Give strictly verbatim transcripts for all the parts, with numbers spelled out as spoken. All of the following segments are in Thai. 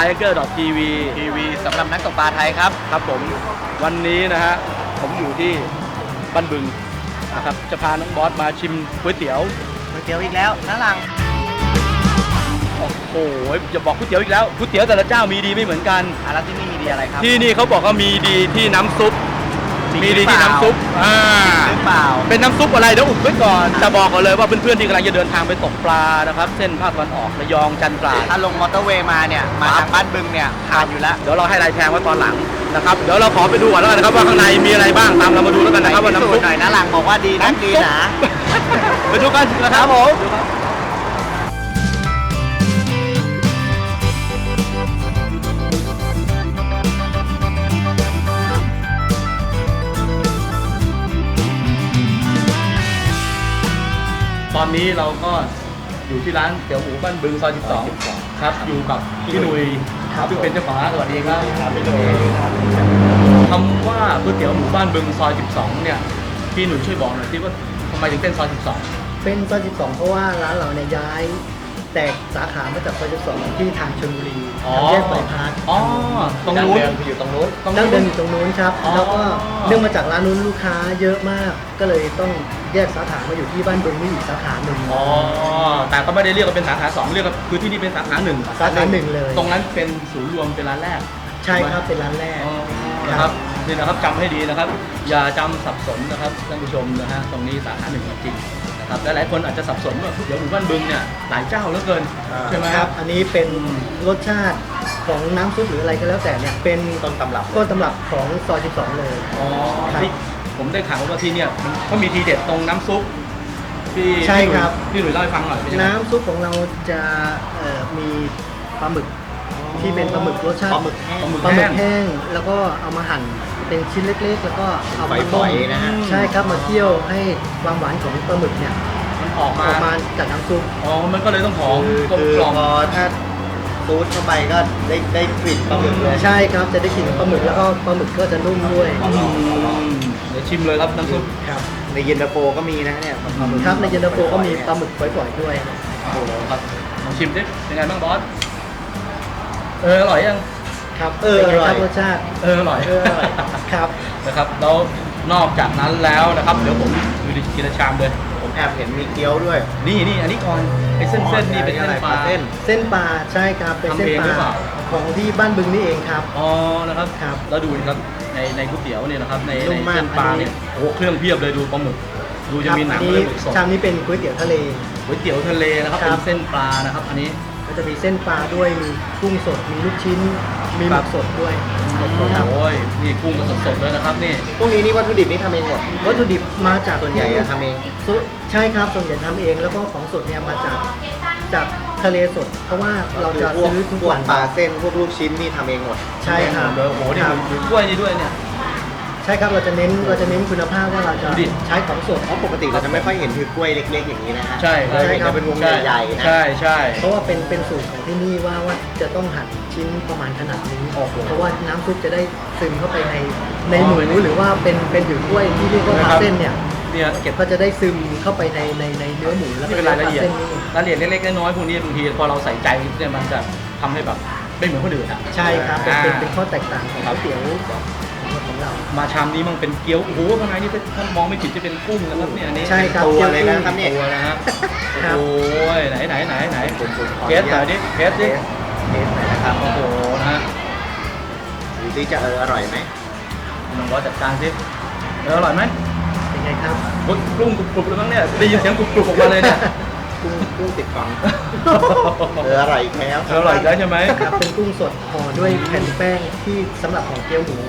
tiger ที วีทีวีสำหรับนักตกปลาไทยครับครับผมวันนี้นะฮะผมอยู่ที่บ้านบึงนะครับจะพาน้องบอสมาชิมก๋วยเตี๋ยวก๋วยเตี๋ยวอีกแล้วน้าหลังโอ้โหอย่าบอกก๋วยเตี๋ยวอีกแล้วก๋วยเตี๋ยวแต่ละเจ้ามีดีไม่เหมือนกันอ่ะแล้วที่นี่มีดีอะไรครับที่นี่เขาบอกว่ามีดีที่น้ำซุปมีดีที่น้ำซุปอ่าหรือเปล่าเป็นน้ำซุปอะไรเดี๋ยวอุบไว้ก่อนจะบอกก่อนเลยว่าเพื่อนๆที่กำลังจะเดินทางไปตกปลานะครับเส้นภาคตะวันออกระยองจันทราดถ้าลงมอเตอร์เวย์มาเนี่ยมาทางบ้านบึงเนี่ยผ่านอยู่แล้วเดี๋ยวเราให้รายแทงไว้ตอนหลังนะครับเดี๋ยวเราขอไปดูก่อนแล้วกันนะครับว่าข้างในมีอะไรบ้างตามเรามาดูแล้วกันนะครับว่าน้ำซุปหน่อยน้าหลังบอกว่าดีนะดีนะไปดูกันนะครับผมตอนนี้เราก็อยู่ที่ร้านเตี๋ยวหมูบ้านบึงซอยสิบสองครับอยู่กับพี่หนุ่ยซึ่งเป็นเจ้าของร้านสวัสดีครับพี่หนุ่ยคำว่าก๋วยเตี๋ยวหมูบ้านบึงซอยสิบสองเนี่ยพี่หนุ่ยช่วยบอกหน่อยสิว่าทำไมถึงเป็นซอยสิบสองเป็นซอยสิบสองเพราะว่าร้านเราเนี่ยย้ายแตกสาขามาจากซอยสิบสองที่ทางชลบุรีทางแยกบายพาสอ๋อตรงนู้นอยู่ตรงนู้นดั้งเดิมอยู่ตรงนู้นครับแล้วก็เนื่องมาจากร้านนู้นลูกค้าเยอะมากก็เลยต้องแยกสาขามาอยู่ที่บ้านบึงนี่อีกสาขาหนึ่งอ๋อแต่ก็ไม่ได้เรียกว่าเป็นสาขาสองเรียกว่าคือที่นี่เป็นสาขาหนึ่งสาขาหนึ่งเลยตรงนั้นเป็นศูนย์รวมเป็นร้านแรกใช่ครับเป็นร้านแรกนะครับนี่นะครับจำให้ดีนะครับอย่าจำสับสนนะครับท่านผู้ชมนะฮะตรงนี้สาขาหนึ่งจริงนะครับและหลายคนอาจจะสับสนว่าเดี๋ยวหมู่บ้านบึงเนี่ยหลายเจ้าเหลือเกินใช่ไหมครับอันนี้เป็นรสชาติของน้ำซุปหรืออะไรก็แล้วแต่เนี่ยเป็นต้นตำรับต้นตำรับของซอยสิบสองเลยอ๋อที่ผมได้ข่าวว่าที่เนี่ยเขามีทีเด็ดตรงน้ำซุปที่ใช่ครับพี่หนุ่ยเล่าให้ฟังหน่อยน้ำซุปของเราจะมีปลาหมึกที่เป็นปลาหมึกรสชาติปลาหมึกแห้งปลาหมึกแห้งแล้วก็เอามาหั่นเป็นชิ้นเล็กๆแล้วก็เอามาต้มนะฮะใช่ครับมาเคี่ยวให้ความหวานของปลาหมึกเนี่ยมันออกมาออกมาจากน้ำซุปอ๋อมันก็เลยต้องหอมกลมกล่อมพอถ้าซูดเข้าไปก็ได้ได้กลิ่นปลาหมึกเลยใช่ครับจะได้กลิ่นปลาหมึกแล้วก็ปลาหมึกก็จะนุ่มด้วยเดี๋ยวชิมเลยครับน้ำซุปครับในเย็นตาโฟก็มีนะเนี่ยครับในเย็นตาโฟก็มีปลาหมึกปล่อยๆด้วยโอ้โหครับลองชิมดิเป็นไงบ้างบอสเอออร่อยยังครับเอออร่อยรสชาติเอออร่อยครับนะครับแล้วนอกจากนั้นแล้วนะครับเดี๋ยวผมดูดิกินชามเลยผมแอบเห็นมีเกี๊ยวด้วยนี่นี่อันนี้ก่อนไอ้เส้นเส้นนี่เป็นเส้นปลาเส้นเส้นปลาใช่ครับเป็นเส้นปลาของที่บ้านบึงนี่เองครับอ๋อนะครับครับแล้วดูนะครับในในก๋วยเตี๋ยวเนี่ยนะครับในในเส้นปลาเนี่ยโอ้เครื่องเพียบเลยดูปลาหมึกดูจะมีหนังเลยหมึกสดชามนี้เป็นก๋วยเตี๋ยวทะเลก๋วยเตี๋ยวทะเลนะครับเป็นเส้นปลานะครับอันนี้ก็จะมีเส้นปลาด้วยมีกุ้งสดมีลูกชิ้นมีหมึกสดด้วยโอ้ยนี่กุ้งก็สดๆเลยนะครับนี่พวกนี้นี่วัตถุดิบนี่ทำเองหมดวัตถุดิบมาจากส่วนใหญ่ทำเองใช่ครับส่วนใหญ่ทำเองแล้วก็ของสดเนี่ยมาจากจากทะเลสดเพราะว่าเราจะซื้อทุกวันปลาเส้นพวกลูกชิ้นนี่ทำเองหมดใช่ครับโอ้โหนี่มีกล้วยนี่ด้วยเนี่ยใช่ครับเราจะเน้นเราจะเน้นคุณภาพว่าเราจะใช้ของสดเพราะปกติเราจะไม่ค่อยเห็นคือกล้วยเล็กๆอย่างนี้นะฮะใช่ใช่ครับเป็นวงใหญ่ๆนะใช่ใช่เพราะว่าเป็นเป็นสูตรของที่นี่ว่าว่าจะต้องหั่นชิ้นประมาณขนาดนี้เพราะว่าน้ำซุปจะได้ซึมเข้าไปในในหมูหรือว่าเป็นเป็นถือกล้วยที่เรียกว่าปลาเส้นเนี่ยเนี่ยเก็บก็จะได้ซึมเข้าไปในในในเนื้อหมูแล้วก็เป็นรายละเอียดรายละเอียดเล็กๆน้อยๆพวกนี้บางทีพอเราใส่ใจเนี่ยมันจะทำให้แบบไม่เหมือนคนอื่นอ่ะใช่ครับเป็นเป็นข้อแตกต่างของก๋วยเตี๋ยวของเรามาชามนี้มันเป็นเกี๊ยวโอ้โหข้างในนี่ถ้ามองไม่ผิดจะเป็นกุ้งนะครับเนี่ยอันนี้ใช่ครับตัวเลยนะครับเนี่ยตัวนะฮะโอ้ยไหนไหนไหนไหนเทสหน่อยดิเทสดิเทสหน่อยนะครับโอ้โหนะฮะดูสิจะเอออร่อยไหมน้องบอสจัดการสิเอออร่อยไหมเป็นไงครับกุ้งกรุบๆเลยมั้งเนี่ยได้ยินเสียงกรุบๆออกมาเลยเนี่ยกุ้งกุ้งติดฟังเอออร่อยแล้วอร่อยแล้วใช่ไหมครับเป็นกุ้งสดห่อด้วยแผ่นแป้งที่สำหรับของเกี๊ยวหมู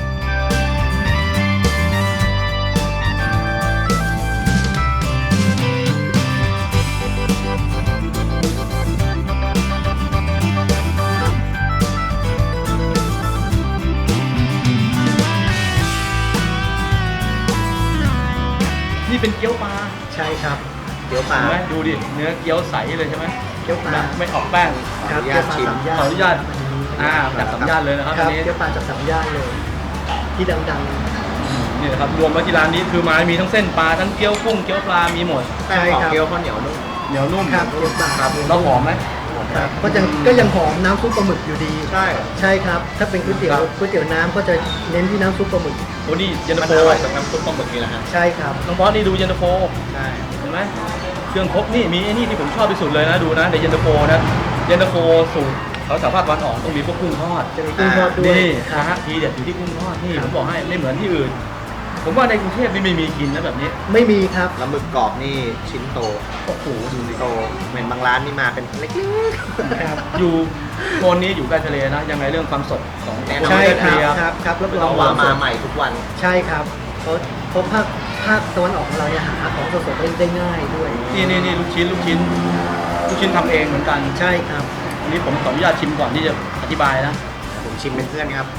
นี่เป็นเกี๊ยวปลาใช่ครับเกี๊ยวปลาดูดิเนื้อเกี๊ยวใสเลยใช่ไหมเกี๊ยวปลาไม่ออกแป้งครับเกี๊ยวปลาสามย่านขออนุญาตอ่าจากสามย่านเลยนะครับอันนี้เกี๊ยวปลาจากสามย่านเลยที่ดังๆนี่นะครับรวมไว้ที่ร้านนี้คือมามีทั้งเส้นปลาทั้งเกี๊ยวกุ้งเกี๊ยวปลามีหมดใช่ครับเกี๊ยวข้าวเหนียวนุ่มเหนียวนุ่มครับเกี๊ยวปลาครับแล้วหอมไหมครับก็ยังก็ยังหอมน้ำซุปปลาหมึกอยู่ดีใช่ใช่ครับถ้าเป็นก๋วยเตี๋ยวก๋วยเตี๋ยวน้ำก็จะเน้นที่น้ำซุปปลาหมึกโอ้นี่เย็นตามันโฟอร่อยกับน้ำซุปปลาหมึกนี่แหละฮะใช่ครับน้องบอสนี่ดูเย็นตาโฟใช่เห็นไหมเครื่องครบนี่มีไอ้นี่ที่ผมชอบที่สุดเลยนะดูนะในเย็นตาโฟนะเย็นตาโฟสูตรเขาสามารถวันออกต้องมีพวกกุ้งทอดจะมีกุ้งทอดด้วยนี่คนะรับฮะทีเด็ดอยู่ที่กุ้งทอดนี่ครัผบมบอกให้ไม่เหมือนที่อื่น ผมว่าในกรุงเทพนี่ไม่มีกินนะแบบนี้ไม่มีครับแล้วหมึกกรอบนี่ชิ้นโตโอ้โหดูดิโตเหมือนบางร้านนี่มาเป็นเล็กครับอยู่โซนนี้อยู่ใกล้ทะเลนะยังไงเรื่องความสดของแน่นอนใช่คทะรับเลครับครับรับๆรต้อองงว่ามาสดใหม่ทุกวันใช่ครับเพราะเพราะภาคภาคตะวันออกของเราเนี่ยหาของสดๆได้ได้ง่ายด้วยนี่นี่นี่ลูกชิ้นลูกชิ้นลูกชิ้นทำเองเหมือนกันใช่ครับอันนี้ผมขออนุญาตชิมก่อนที่จะอธิบายนะผมชิมเป็นเพื่อนครับ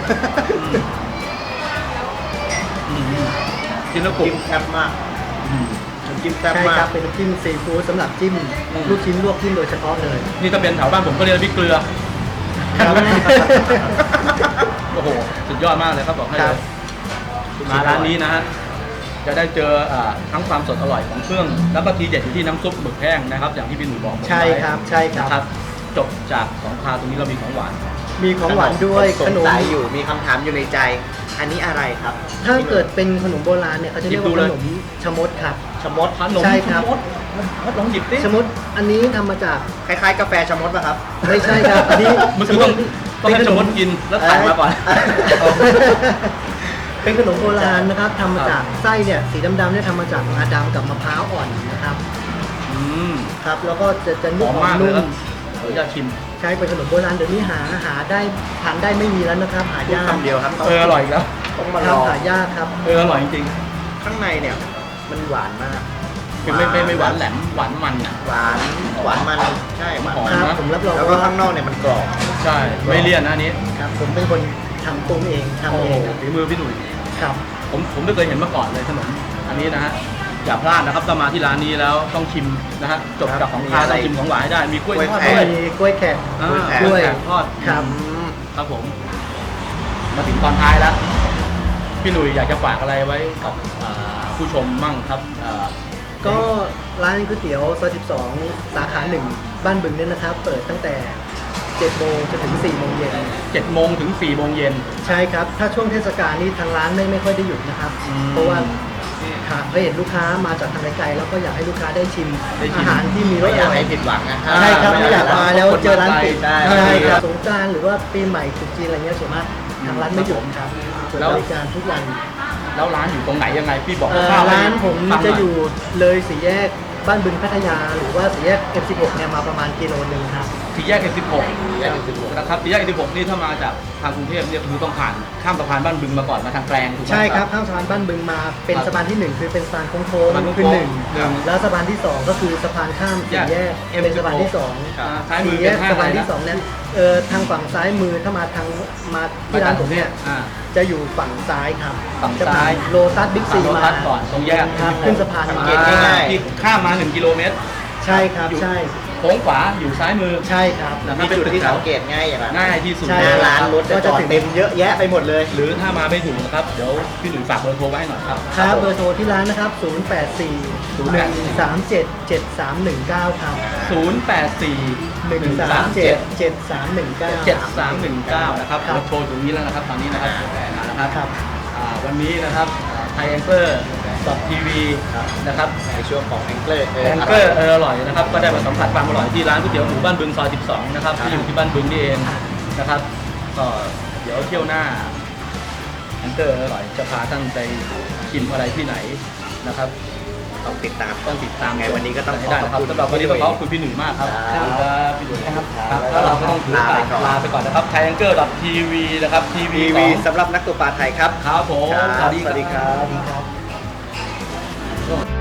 อืมอืมกินแล้วกรุบจิ้มแซ่บมากอืมน้ำจิ้มแซ่บใช่มาครักบเป็นน้ำจิ้มซีฟู้ดสำหรับจิ้มอืมลูกชิ้นลวกจิ้มโดยเฉพาะเลยนี่ถ้าเป็นแถวบ้านผมก็เรียกพริกเกลือครับโอ้โห สุดยอดมากเลยครับบอกให้คเลรับยมาร้านนี้นะฮะ จะได้เจออ่าทั้งความสดอร่อยของเครื่อง แล้วก็ทีเด็ดอยู่ที่น้ำซุปหมึกแห้งนะครับ อย่างที่พี่หนุ่ยบอกผมใช่ครับใช่คนะครัรับ บ จบจากของคาวตรงนี้เรามีของหวานมีของหวานด้วยสขงนมสัยอยู่มีคำถามอยู่ในใจ อันนี้อะไรครับถ้าเกิดเป็นขนมโบราณเนี่ยเขาจะเรียกว่าหยิบดูขเลยนมชะมดครับชะมดขนมใช่ครับชะมดมัดลองหยิบดิชะมดอันนี้ทำมาจากคล้ายๆ กาแฟชะมดป่ะครับไม่ใช่ครับอันนี้มันคือต้องต้องให้ชะมดกินแล้วถ่ายมาก่อนเป็นขนมโบราณนะครับทำมาจากไส้เนี่ยสีดำๆเนี่ยทำมาจากงาดำกับมะพร้าวอ่อนนะครับอืมครับ แล้วก็จะจะหนุ่อมมมากเลยนุ่ครัมบขออนุญาตชิมใช้เป็นขนมโบราณเดี๋ยวนี้หาหาได้ทานได้ไม่มีแล้วนะครับ หาพูดยากคำเดียวครับเอออร่อยอีกแล้วต้องมาคลรับองหายากครับเอออร่อยจริงข้างในเนี่ย มันหวานมากๆคือไม่ไม่ไม่หวานแหลมหวานมันอ่ะหวานหวานมันใช่หวานหอมมันครับผมรับรองแล้วก็ว่าข้างนอกเนี่ยมันกรอบใช่ ไม่เลี่ยนนะอันนี้ครับผมเป็นคนทำปรุงเองทำโอ้เอโหงครับฝีมือพี่หนุ่ยครับผมผมไม่เคยเห็นมาก่อนเลยขนมอันนี้นะฮะอย่าพลาดนะครับถ้ามาที่ร้านนี้แล้วต้องชิมนะฮะจบจากของคาวต้องชิมของหวานให้ได้มีกล้วยทอดด้วยมีกล้วยแขกอ่ากล้วยแขกทอดครับอืมครับผม มาถึงตอนท้ายแล้ว พี่หนุ่ยอยากจะฝากอะไรไว้กับอ่าผู้ชมมั่งครับอ่าก็ร้านก๋วยเตี๋ยวซอยสิบสองสาขาหนึ่งบ้านบึงเนี่ยนะครับ เปิดตั้งแต่เจ็ดโมงจนถึงสี่โมงเย็นเจ็ดโมงถึงสี่โมงเย็นใช่ครับ ถ้าช่วงเทศกาลนี่ทางร้านไม่ไม่ค่อยได้หยุดนะครับอืมเพราะว่าค่ะเคยเห็นลูกค้ามาจากทางไกลๆแล้วก็อยากให้ลูกค้าได้ชิมได้ชิมอาหารที่มีรไม่สอยากร่ให้ผิดหวังนะใช่ครับไม่อยากมาแล้วเจอร้านปิดใช่ใช่ครับสงกรานต์หรือว่าปีใหม่ตรุษจีนอะไรเงี้ยส่วนมากทางร้านไม่หยุดครับเปิดแล้วบริการทุกวันแล้วร้านอยู่ตรงไหนยังไงพี่บอกเอ่อคร่วๆให้ร้านผมฟังหจะน่อยู่เลยสี่แยกบ้านบึงพัทยา หรือว่าสี่แยก เอ็ม สิบหก เนี่ยมาประมาณกิโลนึงครับสี่แยกเอ็มสิบหกแยกสิบหกนะครับสี่แยกเอ็มสิบหกนี่ถ้ามาจากทางกรุงเทพเนี่ยคือต้องผ่านข้ามสะพานบ้านบึงมาก่อนมาทางแกลงถูกไหมใช่ครับข้ามสะพานบ้านบึงมาเป็นครับสะพานที่หนึ่งคือเป็นสะพานโค้งสะพานโค้งๆคือหนึ่งหนึ่งแล้วสะพานที่สองก็คือสะพานข้ามสี่แยกแยกเป็นสะพานที่สองอ่าซ้ายมือสี่แยเป็นกห้างสะอะไรพานนะที่สองนั้นเออทางฝั่งซ้ายมือถ้ามาทางมาที่ร้านผมเนี่ยอ่าจะอยู่ฝั่งซ้ายครับฝั่งจะผ่นซ้ายโลตัสบิ๊กซีโลมาตัสก่อนตรงแยกครับขึ้นสะพานมาสังเกตง่ายๆที่ข้ามมาหนึ่งกิโลเมตรใช่ครับใช่โค้งขวาอยู่ซ้ายมือใช่ครับนะครับมีจุดที่สังเกตง่ายอย่างนั้นง่ายที่สุดใช่หน้าร้านรถก็จะจะจอดถึงเต็มเยอะแยะไปหมดเลยหรือถ้ามาไม่ถูกนะครับ เดี๋ยวพี่หนุ่ยฝากเบอร์โทรไว้ให้หน่อยครับครับเบอร์โทรที่ร้านนะครับ ศูนย์ แปด สี่ หนึ่ง สาม เจ็ด เจ็ด สาม หนึ่ง เก้า ครับศูนย์ แปด สี่หนึ่ง สาม เจ็ด เจ็ด สาม หนึ่ง เก้าเจ็ดสามหนึ่งเก้านะครับครับเราโทรอยู่ตรงนี้แล้วนะครับตอนนี้นะครับอ่านะครับครับอ่าวันนี้นะครับไทยแองเกอร์ดอททีวีนะครับในช่วงของแองเกิลแองเกอร์เอออร่อยนะครับก็ได้มาสัมผัสความอร่อยที่ร้านก๋วยเตี๋ยวหมูบ้านบึงซอยสิบสองนะครับที่อยู่ที่บ้านบึงนี่เองนะครับก็เดี๋ยวเที่ยวหน้าแองเกอร์อร่อยจะพาท่านไปชิมอะไรที่ไหนนะครับต้องติดตามต้องติดตามไงวันนี้ก็ต้องให้ได้นะครับขอบคุณสำหรับวันนี้ต้องขอบคุณพี่หนุ่ยมากครับครับขอบคุณครับพี่หนุ่ยครับครับแล้วเราก็ต้องถือโอกาสลาไปก่อนลาไปก่อนนะครับไทยแองเกอร์ดอททีวีนะครับทีวีทีวีสำหรับนักตกปลาไทยครับครับผมครับสวัสดีครับสวัสดีครับ